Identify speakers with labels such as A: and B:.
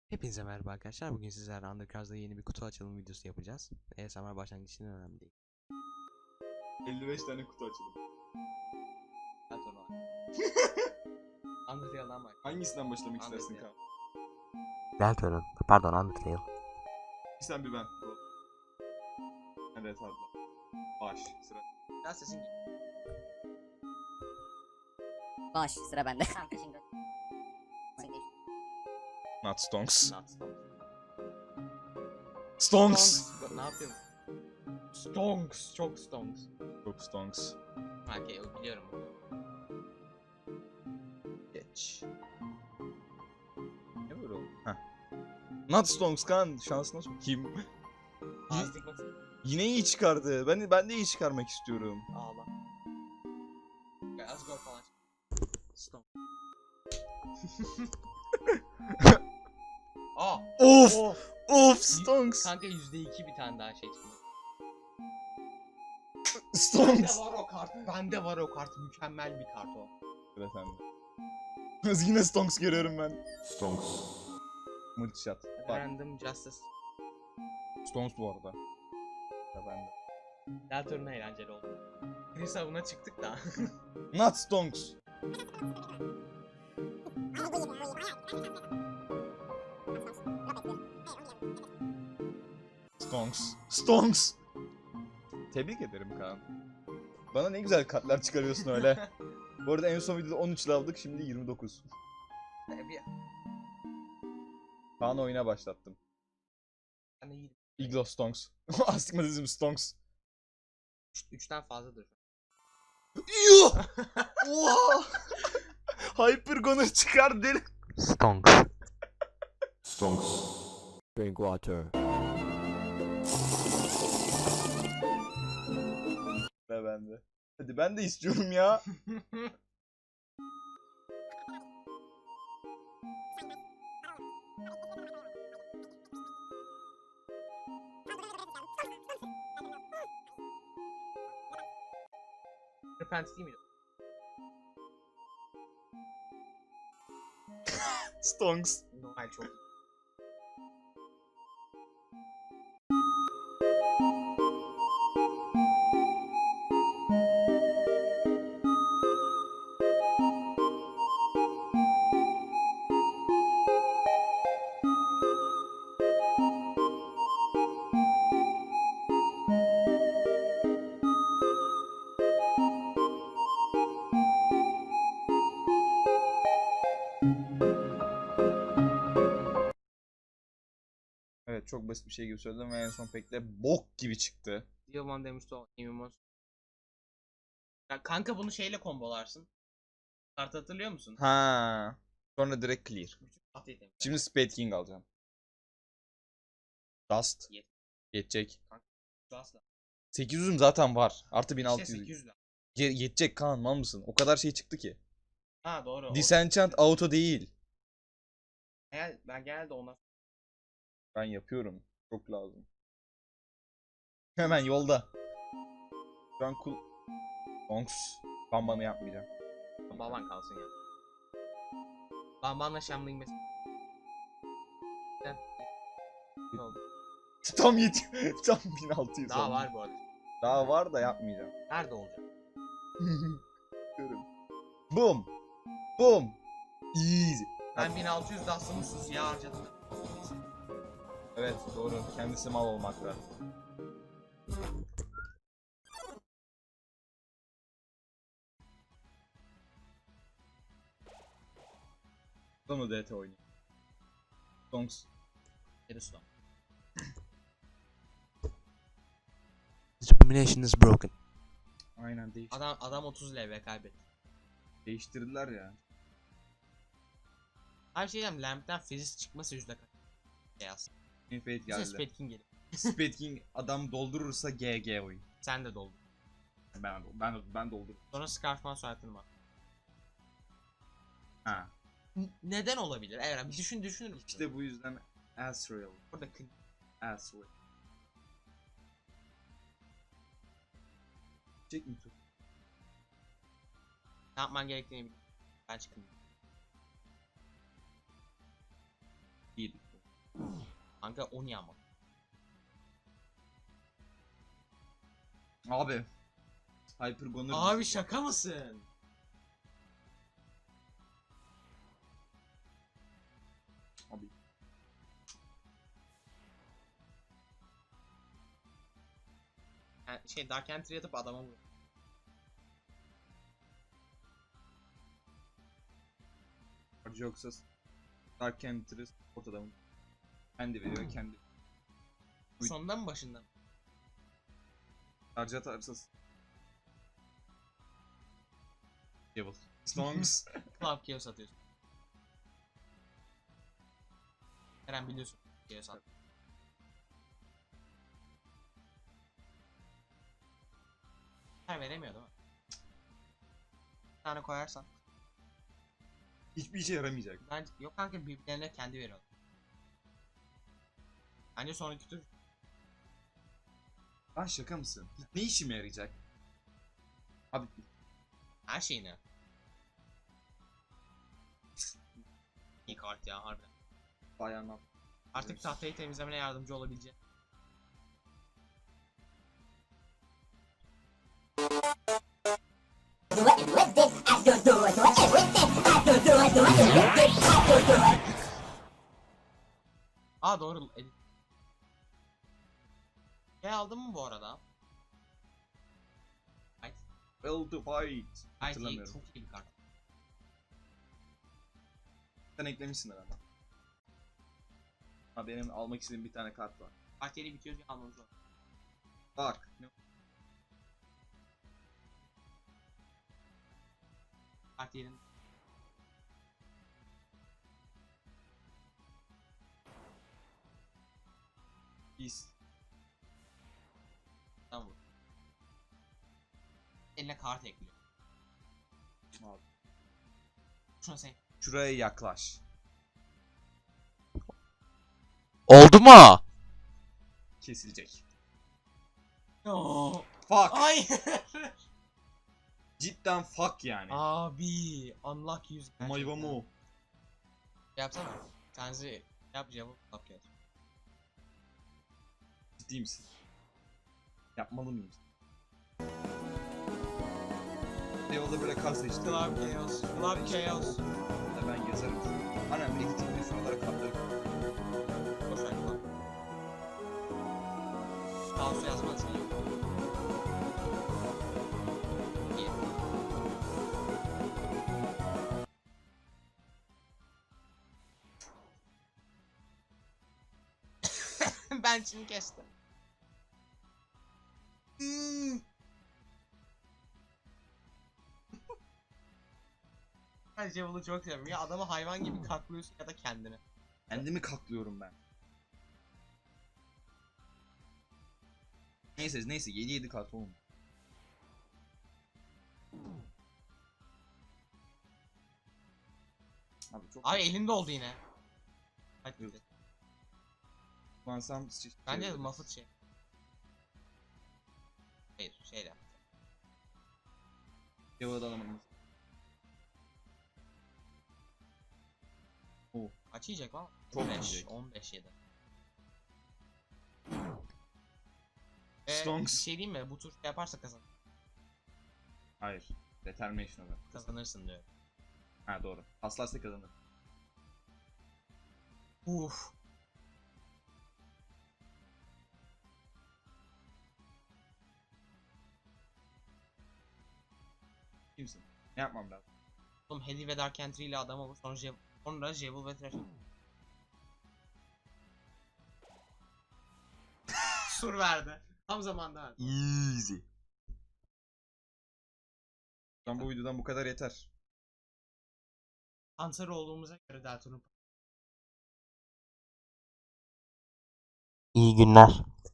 A: Hepinize merhaba arkadaşlar. Bugün sizlerle Undercars'da yeni bir kutu açılım videosu yapacağız. ASMR başlangıç için önemli değil.
B: 55 tane kutu açalım.
A: Gel sonra. Undertale'dan bak.
B: Hangisinden başlamak istersin
A: Undertale.
B: Kaan?
A: Deltarune. Pardon, Undertale.
B: Bir sen bir ben. Go. Evet abla. Baş. Sıra.
A: Biraz sesin geliyor.
C: Baş sıra bende. Kanka şimdi.
B: Not Stonks.
A: Not Stonks.
B: Stonks.
A: Ne yapıyorum? Stonks. Çok Stonks.
B: Çok Stonks.
A: Okey, biliyorum.
B: Geç. Ne böyle oldu? Heh. Not Stonks Kaan. Şansına sokayım.
A: Azlık bak.
B: Yine iyi çıkardı. Ben de iyi çıkarmak istiyorum.
A: Ağla. Gel az gol falan. Stonks. Aa.
B: Of!
A: Oh.
B: Of Stonks!
A: Kanka %2 bir tane daha şey çıktı.
B: Stonks!
A: Bende var o kart. Bende var o kart. Mükemmel bir kart o.
B: Sıra sende. Yine Stonks görüyorum ben.
D: Stonks.
B: Multishot. Bak.
A: Random Justice.
B: Stonks bu arada. Ya bende.
A: Deltarune eğlenceli oldu. Chris avına çıktık da.
B: Not Stonks. Stonks. Stonks. Tebrik ederim Kaan. Bana ne güzel kartlar çıkarıyorsun öyle. Bu arada en son videoda 13 aldık, şimdi 29. Kaan oyuna başlattım.
A: Ben de iyi.
B: Iglo Stonks. Astigmatizm Stonks.
A: 3'ten fazladır.
B: Yuh! Oha! Hyper Gunner çıkar deli.
A: Stonks.
D: Stonks. Drink water.
B: Ve bende. Hadi ben de istiyorum ya.
A: Repent değil miydi?
B: Stonks.
A: Normal çok.
B: Evet, çok basit bir şey gibi söyledim ve en son pek de bok gibi çıktı.
A: Diamond demişti o. Imimos. Ya kanka bunu şeyle kombolarsın. Kart hatırlıyor musun?
B: Ha. Sonra direkt clear.
A: Bütün kartı yedim.
B: Şimdi Spade King alacağım. Dust.
A: Yet.
B: Yetecek.
A: Asla.
B: 800'üm zaten var. Artı
A: İşte
B: 1600.
A: 800 lira.
B: Yetecek Kaan, mal mısın? O kadar şey çıktı ki.
A: Ha doğru.
B: Disenchant auto değil.
A: Ben genelde ona.
B: Ben yapıyorum. Çok lazım. Hemen yolda. Şu an cool. Stonks. Bambanı yapmayacağım.
A: Baban kalsın ya. Babanla Shambling mesela. Ne oldu?
B: Tam tam 1600
A: Daha
B: oldu.
A: var bu arada.
B: Daha var da yapmayacağım.
A: Nerede olacak?
B: Görüyorum. Boom. Boom. Easy.
A: Ben 1600 dastımı suya harcadım.
B: Evet doğru. Kendisi mal olmakta. Sonra DT oynuyor. Stonks.
A: Geri sudan.
E: Determination is broken.
B: Aynen
A: Adam 30 LV kaybetti.
B: değiştirdiler ya.
A: Her şeyden Lamp'ten Fizz çıkması yüzde kaç? Beyaz.
B: Infate
A: Bize
B: geldi.
A: Spade King geliyor.
B: Spade King adam doldurursa GG oyun.
A: Sen de doldur.
B: Ben doldururum.
A: Sonra Scarfman soyadını bak.
B: Ha.
A: Neden olabilir? Evet bir düşünür müsün?
B: İşte bu yüzden Asriel.
A: Burada
B: Asriel. Çek mi tut?
A: ne yapman gerektiğini bil. Ben çıkayım.
B: Değil.
A: Kanka o niye ama?
B: Abi. Hypergonur.
A: Abi şaka mısın?
B: Abi.
A: Yani şey Dark Entry atıp adama vur.
B: Yoksa Dark Entry ortada mı? Kendi veriyor kendi.
A: Sonunda mı başında mı?
B: Harcat arsız. Devil. Stonks.
A: Club Chaos atıyorsun. Eren biliyorsun. Chaos at. Her veremiyor değil mi? Bir tane koyarsan.
B: Hiçbir işe yaramayacak.
A: Bence yok kanka birbirlerine kendi veriyor. Bence sonraki tur
B: Lan şaka mısın? Ne işime yarayacak? Abi
A: her şeyini. İyi kart ya harbiden.
B: bayanlar.
A: Artık tahtayı temizlemene yardımcı olabilecek. Aa doğru. Şey aldın mı bu arada? Ay,
B: Well to fight.
A: ay
B: Hatırlamıyorum.
A: çok iyi bir kart.
B: Sen eklemişsin herhalde. Ha benim almak istediğim bir tane kart var.
A: Kart yeri bitiyor diye almamız lazım.
B: Bak.
A: Kart yerin.
B: Biz.
A: Tamam vur. Eline kart ekliyor.
B: Abi.
A: Şuna sen.
B: Şuraya yaklaş.
D: Oldu mu?
B: Kesilecek.
A: Oo.
B: Fuck.
A: Ay.
B: Cidden fuck yani.
A: Abi unlock 100 gerçekten.
B: Mayvamu.
A: Yapsana. Tanzi yap cevap yap yap.
B: Ciddi misin? Yapmalı mıyım? Yolda böyle kar seçtim.
A: Club Chaos. Club Chaos.
B: Da ben yazarım. Anam bile gittiğimde şuralara katlarım.
A: Boşver Club. Kaos yazmaz iyi. İyi. Ben şimdi kestim. Ben Javel'ı çok seviyorum. Ya adamı hayvan gibi kaklıyorsun ya da kendini.
B: Kendimi kaklıyorum ben. Neyse 7 kart oğlum. Abi çok
A: Abi elinde oldu yine. Hadi
B: Yok.
A: gidelim.
B: kullansam
A: Bence Muffet şey. Hayır şeyle.
B: Yavaş alamadım.
A: Kaç yiyecek lan?
B: Çok
A: 15,
B: yiyecek.
A: 15 yedi.
B: Stonks.
A: Bir şey diyeyim mi? Bu tur şey yaparsa
B: Hayır. Determination olarak.
A: kazanırsın diyor.
B: Ha doğru. Paslarsa kazanır.
A: Uf.
B: Kimsin? Ne yapmam lazım?
A: Oğlum Heli ve Dark Entry ile adam olur. Sonra Jevil ve Thresh. Sur verdi. Tam zamanda verdi.
B: Easy. Ben bu videodan bu kadar yeter.
A: Ansar olduğumuza göre Deltarune.
D: İyi günler.